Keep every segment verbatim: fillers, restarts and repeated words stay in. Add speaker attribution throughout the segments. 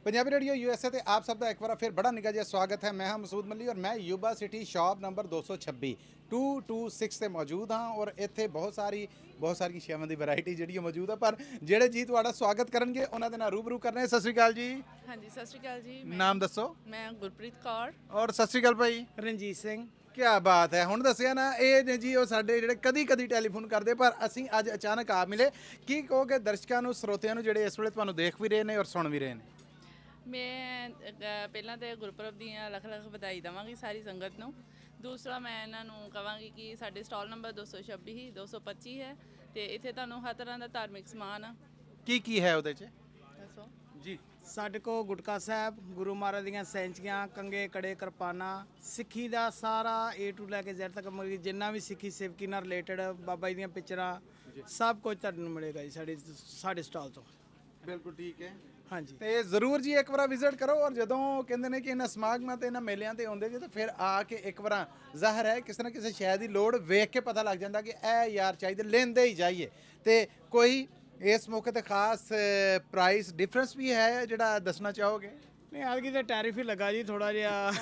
Speaker 1: Punjabi radio USA ਤੇ ਆਪ ਸਭ ਦਾ ਇੱਕ ਵਾਰ ਫਿਰ ਬੜਾ ਨਿੱਘਾ ਜਿਹਾ ਸਵਾਗਤ ਹੈ। ਮੈਂ ਹਾਂ ਮਸੂਦ ਮੱਲੀ ਔਰ ਮੈਂ ਯੂਬਾ ਸਿਟੀ ਸ਼ਾਪ ਨੰਬਰ ਦੋ ਸੌ ਛੱਬੀ ਦੋ ਦੋ ਛੇ ਤੇ ਮੌਜੂਦ ਹਾਂ ਔਰ ਇੱਥੇ ਬਹੁਤ ਸਾਰੀ ਬਹੁਤ ਸਾਰੀਆਂ ਸ਼ੇਵਾਂ ਦੀ ਵੈਰਾਈਟੀ ਜਿਹੜੀ ਹੈ ਮੌਜੂਦ ਹੈ। ਪਰ ਜਿਹੜੇ ਜੀ ਤੁਹਾਡਾ ਸਵਾਗਤ ਕਰਨਗੇ ਉਹਨਾਂ ਦੇ ਨਾਲ ਰੂਬਰੂ ਕਰਨੇ। ਸਤਿ ਸ਼੍ਰੀ ਅਕਾਲ ਜੀ।
Speaker 2: ਹਾਂਜੀ ਸਤਿ ਸ਼੍ਰੀ ਅਕਾਲ ਜੀ। ਮੈਂ
Speaker 1: ਨਾਮ ਦੱਸੋ।
Speaker 2: ਮੈਂ ਗੁਰਪ੍ਰੀਤ ਕੌਰ।
Speaker 1: ਔਰ ਸਤਿ ਸ਼੍ਰੀ ਅਕਾਲ ਭਾਈ
Speaker 3: ਰਣਜੀਤ ਸਿੰਘ।
Speaker 1: ਕੀ ਬਾਤ ਹੈ। ਹੁਣ ਦੱਸਿਆ ਨਾ ਇਹ ਨੇ ਜੀ ਉਹ ਸਾਡੇ ਜਿਹੜੇ ਕਦੀ ਕਦੀ ਟੈਲੀਫੋਨ ਕਰਦੇ ਪਰ ਅਸੀਂ ਅੱਜ ਅਚਾਨਕ ਆ ਮਿਲੇ। ਕੀ ਕਹੋਗੇ ਦਰਸ਼ਕਾਂ ਨੂੰ ਸਰੋਤਿਆਂ ਨੂੰ ਜਿਹੜੇ ਇਸ ਵੇਲੇ ਤੁਹਾਨੂੰ ਦੇਖ ਵੀ ਰਹੇ ਨੇ ਔਰ ਸੁਣ ਵੀ ਰਹੇ ਨੇ।
Speaker 2: ਮੈਂ ਅ, ਪਹਿਲਾਂ ਤਾਂ ਗੁਰਪੁਰਬ ਦੀਆਂ ਲੱਖ ਲੱਖ ਵਧਾਈ ਦੇਵਾਂਗੀ ਸਾਰੀ ਸੰਗਤ ਨੂੰ। ਦੂਸਰਾ ਮੈਂ ਇਹਨਾਂ ਨੂੰ ਕਹਾਂਗੀ ਕਿ ਸਾਡੇ ਸਟਾਲ ਨੰਬਰ ਦੋ ਸੌ ਛੱਬੀ ਹੀ ਦੋ ਸੌ ਪੱਚੀ ਹੈ ਤੇ ਇੱਥੇ ਤੁਹਾਨੂੰ ਹਰ ਤਰ੍ਹਾਂ ਦਾ ਧਾਰਮਿਕ ਸਮਾਨ ਆ।
Speaker 1: ਕੀ ਕੀ ਹੈ ਉਹਦੇ 'ਚ
Speaker 2: ਦੱਸੋ
Speaker 1: ਜੀ।
Speaker 3: ਸਾਡੇ ਕੋਲ ਗੁਟਕਾ ਸਾਹਿਬ, ਗੁਰੂ ਮਹਾਰਾਜ ਦੀਆਂ ਸੈਂਚੀਆਂ, ਕੰਗੇ, ਕੜੇ, ਕਿਰਪਾਨਾਂ, ਸਿੱਖੀ ਦਾ ਸਾਰਾ ਏ ਟੂ ਲੈ ਕੇ ਜ਼ੈਡ ਤੱਕ ਮਤਲਬ ਕਿ ਜਿੰਨਾ ਵੀ ਸਿੱਖੀ ਸੇਵਕੀ ਨਾਲ ਰਿਲੇਟਡ ਬਾਬਾ ਜੀ ਦੀਆਂ ਪਿਕਚਰਾਂ ਸਭ ਕੁਝ ਤੁਹਾਨੂੰ ਮਿਲੇਗਾ ਜੀ ਸਾਡੇ ਸਾਡੇ ਸਟਾਲ ਤੋਂ।
Speaker 1: ਬਿਲਕੁਲ ਠੀਕ ਹੈ।
Speaker 3: ਹਾਂਜੀ
Speaker 1: ਤੇ ਜ਼ਰੂਰ ਜੀ ਇੱਕ ਵਾਰ ਵਿਜ਼ਿਟ ਕਰੋ ਔਰ ਜਦੋਂ ਕਹਿੰਦੇ ਨੇ ਕਿ ਇਹਨਾਂ ਸਮਾਗਮਾਂ ਤੇ ਇਹਨਾਂ ਮੇਲਿਆਂ ਤੇ ਆਉਂਦੇ ਜੇ ਤਾਂ ਫਿਰ ਆ ਕੇ ਇੱਕ ਵਾਰ ਜ਼ਾਹਰ ਹੈ ਕਿਸੇ ਨਾ ਕਿਸੇ ਸ਼ੈ ਦੀ ਲੋੜ ਵੇਖ ਕੇ ਪਤਾ ਲੱਗ ਜਾਂਦਾ ਕਿ ਇਹ ਯਾਰ ਚਾਹੀਦੇ ਲੈਂਦੇ ਹੀ ਜਾਈਏ। ਤੇ ਕੋਈ ਇਸ ਮੌਕੇ ਤੇ ਖਾਸ ਪ੍ਰਾਈਸ ਡਿਫਰੈਂਸ ਵੀ ਹੈ ਜਿਹੜਾ ਦੱਸਣਾ ਚਾਹੋਗੇ।
Speaker 3: ਨਹੀਂ ਐਤਕੀ ਤਾਂ ਟੈਰਿਫ ਹੀ ਲੱਗਾ ਜੀ ਥੋੜਾ ਜਿਹਾ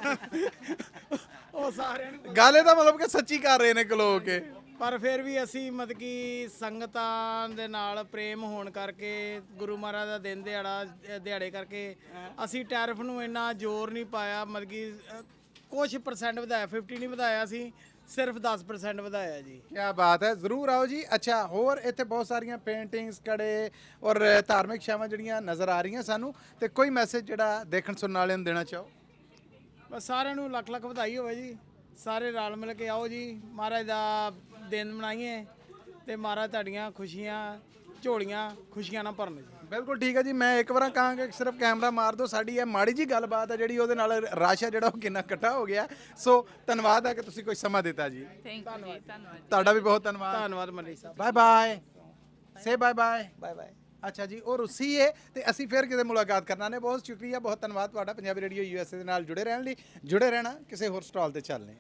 Speaker 3: ਉਹ ਸਾਰਿਆਂ ਨੂੰ
Speaker 1: ਗੱਲ ਇਹਦਾ ਮਤਲਬ ਕਿ ਸੱਚੀ ਕਰ ਰਹੇ ਨੇ ਕਲੋ ਕੇ।
Speaker 3: ਪਰ ਫਿਰ ਵੀ ਅਸੀਂ ਮਤਲਬ ਕਿ ਸੰਗਤਾਂ ਦੇ ਨਾਲ ਪ੍ਰੇਮ ਹੋਣ ਕਰਕੇ ਗੁਰੂ ਮਹਾਰਾਜ ਦਾ ਦਿਨ ਦਿਹਾੜਾ ਦਿਹਾੜੇ ਕਰਕੇ ਅਸੀਂ ਟੈਰਿਫ ਨੂੰ ਇੰਨਾ ਜ਼ੋਰ ਨਹੀਂ ਪਾਇਆ। ਮਤਲਬ ਕਿ ਅ, ਕੁਛ ਪਰਸੈਂਟ ਵਧਾਇਆ, ਫਿਫਟੀ ਨਹੀਂ ਵਧਾਇਆ, ਅਸੀਂ ਸਿਰਫ ਦਸ ਪਰਸੈਂਟ ਵਧਾਇਆ ਜੀ।
Speaker 1: ਕੀ ਬਾਤ ਹੈ। ਜ਼ਰੂਰ ਆਓ ਜੀ। ਅੱਛਾ ਹੋਰ ਇੱਥੇ ਬਹੁਤ ਸਾਰੀਆਂ ਪੇਂਟਿੰਗਸ ਕੜੇ ਔਰ ਧਾਰਮਿਕ ਸ਼ੈਵਾਂ ਜਿਹੜੀਆਂ ਨਜ਼ਰ ਆ ਰਹੀਆਂ ਸਾਨੂੰ ਤੇ ਕੋਈ ਮੈਸੇਜ ਜਿਹੜਾ ਦੇਖਣ ਸੁਣਨ ਵਾਲਿਆਂ ਨੂੰ ਦੇਣਾ ਚਾਹੋ।
Speaker 3: ਬਸ ਸਾਰਿਆਂ ਨੂੰ ਲੱਖ ਲੱਖ ਵਧਾਈ ਹੋਵੇ ਜੀ। ਸਾਰੇ ਰਲ ਮਿਲ ਕੇ ਆਓ ਜੀ, ਮਹਾਰਾਜ ਦਾ ਦਿਨ ਮਨਾਈਏ ਤੇ ਮਹਾਰਾਜ ਤੁਹਾਡੀਆਂ ਖੁਸ਼ੀਆਂ ਝੋਲੀਆਂ ਖੁਸ਼ੀਆਂ ਨਾਲ ਭਰਨ ਜੀ।
Speaker 1: ਬਿਲਕੁਲ ਠੀਕ ਹੈ ਜੀ। ਮੈਂ ਇੱਕ ਵਾਰ ਕਹਾਂਗਾ ਕਿ ਸਿਰਫ ਕੈਮਰਾ ਮਾਰ ਦਿਓ। ਸਾਡੀ ਇਹ ਮਾੜੀ ਜੀ ਗੱਲਬਾਤ ਹੈ ਜਿਹੜੀ ਉਹਦੇ ਨਾਲ ਰਸ਼ ਹੈ ਜਿਹੜਾ ਉਹ ਕਿੰਨਾ ਇਕੱਠਾ ਹੋ ਗਿਆ। ਸੋ ਧੰਨਵਾਦ ਹੈ ਕਿ ਤੁਸੀਂ ਕੋਈ ਸਮਾਂ ਦਿੱਤਾ ਜੀ।
Speaker 2: ਥੈਂਕ ਯੂ ਜੀ। ਧੰਨਵਾਦ।
Speaker 1: ਤੁਹਾਡਾ ਵੀ ਬਹੁਤ ਧੰਨਵਾਦ।
Speaker 3: ਧੰਨਵਾਦ Malli sahib.
Speaker 1: Bye bye. Say bye bye.
Speaker 3: Bye bye.
Speaker 1: ਅੱਛਾ ਜੀ ਉਹ ਰੁੱਸੀ ਹੈ ਤੇ ਅਸੀਂ ਫਿਰ ਕਿਤੇ ਮੁਲਾਕਾਤ ਕਰਨਾ ਨੇ। ਬਹੁਤ ਸ਼ੁਕਰੀਆ ਬਹੁਤ ਧੰਨਵਾਦ ਤੁਹਾਡਾ ਪੰਜਾਬੀ ਰੇਡੀਓ ਯੂਐਸਏ ਦੇ ਨਾਲ ਜੁੜੇ ਰਹਿਣ ਲਈ। ਜੁੜੇ ਰਹਿਣਾ ਕਿਸੇ ਹੋਰ ਸਟਾਲ ਤੇ ਚੱਲਨੇ।